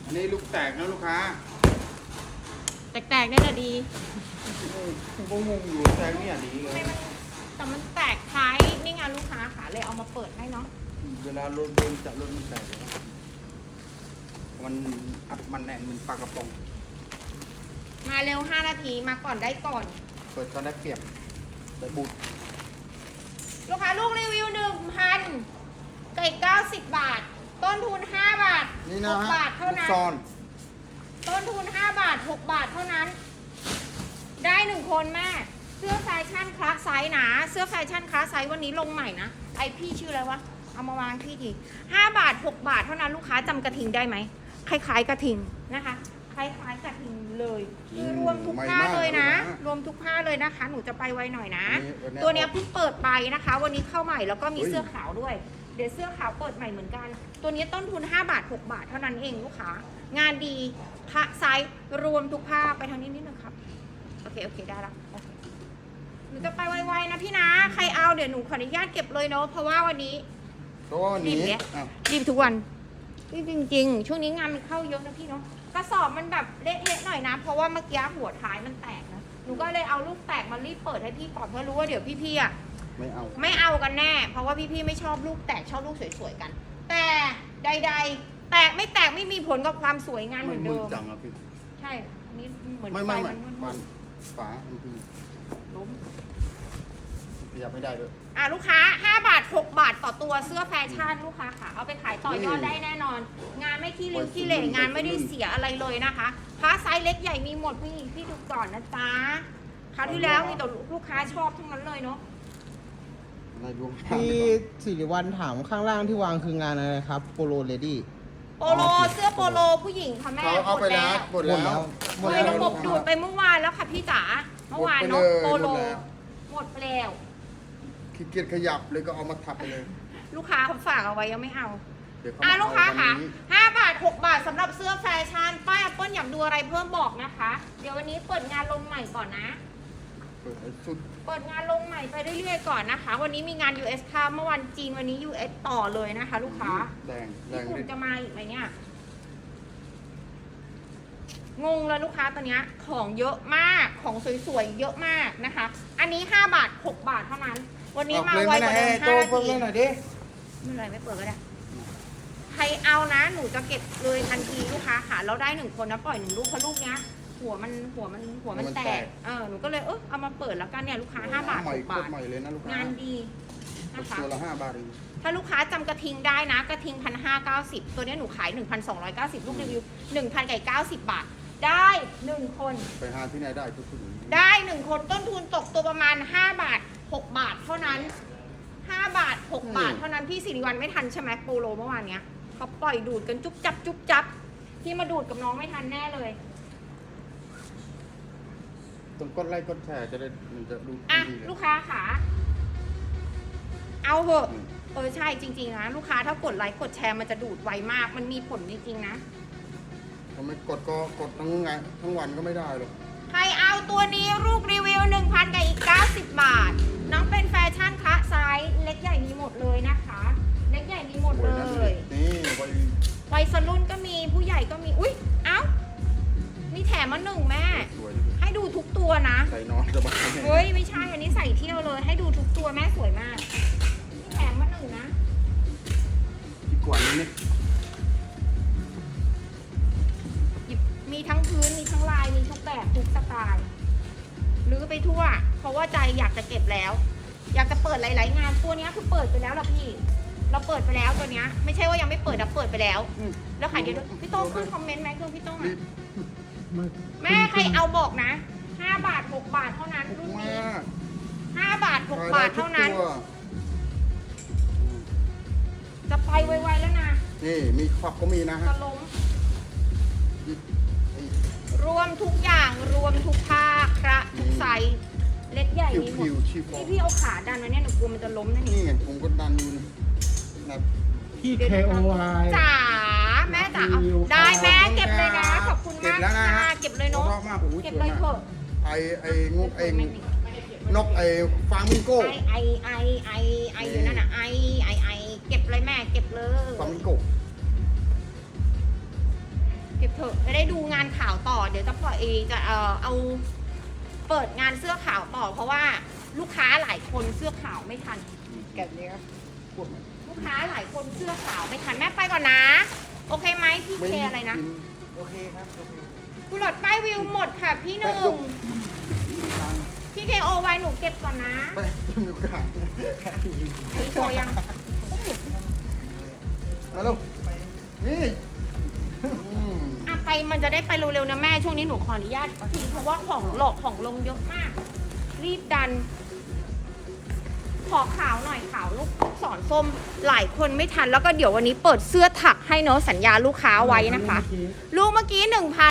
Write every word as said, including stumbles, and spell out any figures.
อันนี้ลูกแตกนะลูกค้าแตกๆนี่แหละดีผมก็งงอยู่แตกเนี่ยดีเลยแต่มันแตกท้ายนี่ไงลูกค้าค่ะเลยเอามาเปิดให้เนาะเวลารถโดนจับรถมันแตกมันอัดมันแน่นมันปากกระป๋องมาเร็วห้านาทีมาก่อนได้ก่อนเปิดตอนได้เปรียบได้บูดลูกค้าลูกรีวิวหนึ่งพันไก่เก้าสิบบาทต้นทุนห้าบาทหกบาทเท่านั้นต้นทุนห้าบาทหกบาทเท่านั้นได้หนึ่งคนแม่เสื้อแฟชั่นคลาสไซส์นะเสื้อแฟชั่นคลาสไซส์วันนี้ลงใหม่นะไอพี่ชื่ออะไรวะเอามาวางที่ทีห้าบาทหกบาทเท่านั้นลูกค้าจำกระทิงได้ไหมคล้ายๆกระทิงนะคะคล้ายๆกระทิงเลยคือรวมทุกผ้าเลยนะรวมทุกผ้าเลยนะคะหนูจะไปไวหน่อยนะตัวนี้เพิ่งเปิดไปนะคะวันนี้เข้าใหม่แล้วก็มีเสื้อขาวด้วยเดี๋ยวเสื้อขาวเปิดใหม่เหมือนกันตัวนี้ต้นทุนห้าบาทหกบาทเท่านั้นเองลูกค้างานดีผ้าไซส์รวมทุกผ้าไปทางนี้นิดนึงครับโอเคโอเคได้แล้วหนูจะไปไวๆนะพี่นะใครเอาเดี๋ยวหนูขออนุญาตเก็บเลยเนาะเพราะว่าวันนี้รีบเนี่ยรีบทุกวันจริงๆช่วงนี้งานมันเข้าเยอะนะพี่เนาะกระสอบมันแบบเละๆหน่อยนะเพราะว่าเมื่อกี้หัวท้ายมันแตกนะหนูก็เลยเอาลูกแตกมารีบเปิดให้พี่ก่อนเพราะรู้ว่าเดี๋ยวพี่ๆอ่ะไม่เอาไม่เอากันแน่เพราะว่าพี่ๆไม่ชอบลูกแตกชอบลูกสวยๆกันแต่ใดๆแตกไม่แตกไม่มีผลกับความสวยงานเหมือนเดิมจังอะพี่ใช่อันนี้เหมือนไฟมันมันฝามันคือล้มขยับไม่ได้ด้วยอ่ะลูกค้าห้าบาทหกบาทต่อตัวเสื้อแฟชั่นลูกค้าค่ะเอาไปขายต่อยอดได้แน่นอนงานไม่ขี้ริ้วขี้เหร่งานไม่ได้เสียอะไรเลยนะคะผ้าไซส์เล็กใหญ่มีหมดพี่พี่ดูก่อนนะจ๊ะคราวที่แล้วมีแต่ลูกค้าชอบทั้งนั้นเลยเนาะพี่สิริวัลถามข้างล่างที่วางคืองานอะไรครับโปโลเลดี้โปโลเสื้อโปโลผู้หญิงค่ะแม่เอาไปแล้วหมดแล้วหมดแล้วระบบดูดไปเมื่อวานแล้วค่ะพี่จ๋าเมื่อวานเนาะโปโลหมดไปแล้วขี้เกียจขยับเลยก็เอามาทับไปเลยลูกค้าเขาฝากเอาไว้ยังไม่เอาอ่ะลูกค้าค่ะห้าบาทหกบาทสำหรับเสื้อแฟชั่นป้ายแอปเปิ้ลอยากดูอะไรเพิ่มบอกนะคะเดี๋ยววันนี้เปิดงานลงใหม่ก่อนนะเปิดสุดเปิดงานลงใหม่ไปเรื่อยๆก่อนนะคะวันนี้มีงาน ยู เอส ค่ะเมื่อวันจีนวันนี้ ยู เอส ต่อเลยนะคะลูกค้าแดงแดงญี่ปุ่นจะมาอีกไหมเนี่ยงงเลยลูกค้าตอนนี้ของเยอะมากของสวยๆเยอะมากนะคะอันนี้ห้าบาทหกบาทเท่านั้นวันนี้มาไวกว่าเดิมห้านาทีหน่อยดิไม่เลยไม่เปิดก็ได้ใครเอานะหนูจะเก็บเลยทันทีลูกค้าค่ะเราได้หนึ่งคนนะปล่อยหนึ่งลูกเพราะลูกเนี้ยหัวมันหัวมันหัวมันแตกเออหนูก็เลยเออเอามาเปิดแล้วกันเนี่ยลูกค้าห้าบาทหกบาทงานดีนะคะตัวละห้าบาทเองถ้าลูกค้าจำกระทิงได้นะกระทิงพันห้าเก้าสิบตัวนี้หนูขายหนึ่งพันสองร้อยเก้าสิบลูกรีวิวหนึ่งพันไก่เก้าสิบบาทได้หนึ่งคนไปหาที่ไหนได้ทุกคนได้หนึ่งคนต้นทุนตกตัวประมาณห้าบาทหกบาทเท่านั้นห้าบาทหกบาทเท่านั้นพี่สิริวัลไม่ทันใช่ไหมโปโลเมื่อวานเนี้ยเขาปล่อยดูดกันจุ๊บจับจุ๊บจับพี่มาดูดกับน้องไม่ทันแน่เลยต้องกดไลค์กดแชร์จะได้มันจะดูอ่ะลูกค้าค่ะเอาเหอะเออใช่จริงๆนะลูกค้าถ้ากดไลค์กดแชร์มันจะดูดไวมากมันมีผลจริงๆนะถ้าไม่กดก็กดทั้งไงทั้งวันก็ไม่ได้หรอกใครเอาตัวนี้ลูกรีวิว หนึ่งพัน กับอีกเก้าสิบบาทน้องเป็นแฟชั่นคะไซส์เล็กใหญ่มีหมดเลยนะคะเล็กใหญ่มีหมดเลยนี่วัยรุ่นก็มีผู้ใหญ่ก็มีอุ้ยเอ้ามีแถมมาหนึ่งแม่ให้ดูทุกตัวนะใส่นอนสบายเฮ้ยไม่ใช่อันนี้ใส่เที่ยวเลยให้ดูทุกตัวแม่สวยมากมีแถมมาหนึ่งนะดีกว่านี้นี่มีทั้งพื้นมีทั้งลายมีทุกแบบทุกสไตล์รื้อไปทั่วเพราะว่าใจอยากจะเก็บแล้วอยากจะเปิดหลายๆงานตัวนี้คือเปิดไปแล้วล่ะพี่เราเปิดไปแล้วตัวเนี้ยไม่ใช่ว่ายังไม่เปิดแต่เปิดไปแล้วแล้วขายเดี๋ยวพี่โต้ขึ้นคอมเมนต์ไหมคือพี่โต้อ่ะแม่ใครเอาบอกนะห้าบาทหกบาทเท่านั้นรุ่นนี้ห้าบาทหกบาทเท่านั้นจะไปไวๆแล้วนะนี่มีขอบก็มีนะฮะจะล้มรวมทุกอย่างรวมทุกภาคระทุกไซส์เล็กใหญ่มีหมดนี่พี่เอาขาดันมาเนี่ยหนูกลัวมันจะล้มนั่นนี่ไงผมก็ดันอยู่นะพี่ เค โอ ไอจ๋าแม่จ๋าได้แม่เก็บเลยนะขอบคุณมากค่ะเก็บเลยเนาะเก็บเลยเถอะไอไองกไอนกไอฟาร์มิงโก้ไอไอไอไออยู่นั่นน่ะไอไอไอเก็บเลยแม่เก็บเลยฟาร์มิงโก้เก็บดูงานขาวต่อเดี๋ยวจะปล่อยเอจะเอ่อเอาเปิดงานเสื้อขาวต่อ เพราะว่าลูกค้าหลายคนเสื้อขาวไม่ทันแกะนี้ครับลูกค้าหลายคนเสื้อขาวไม่ทันแม่ไปก่อนนะ โอเคไหมพี่เคอะไรนะโอเคครับโอเคกุหลาบป้ายวิวหมดค่ะพี่หนึ่งพี่เคโอไว้หนูเก็บก่อนนะไปจิ้มดูกระดาษไอ้โชว์ยังมาลูกนี่อืมอ่ะไปมันจะได้ไปเร็วๆนะแม่ช่วงนี้หนูขออนุญาตทีเพราะว่าของหลอกของลงเยอะมาก รีบดัน ขอขาวหน่อยขาวลูกศรส้มหลายคนไม่ทันแล้วก็เดี๋ยววันนี้เปิดเสื้อถักให้เนาะสัญญาลูกค้าไว้นะคะ ลูกเมื่อกี้หนึ่งพัน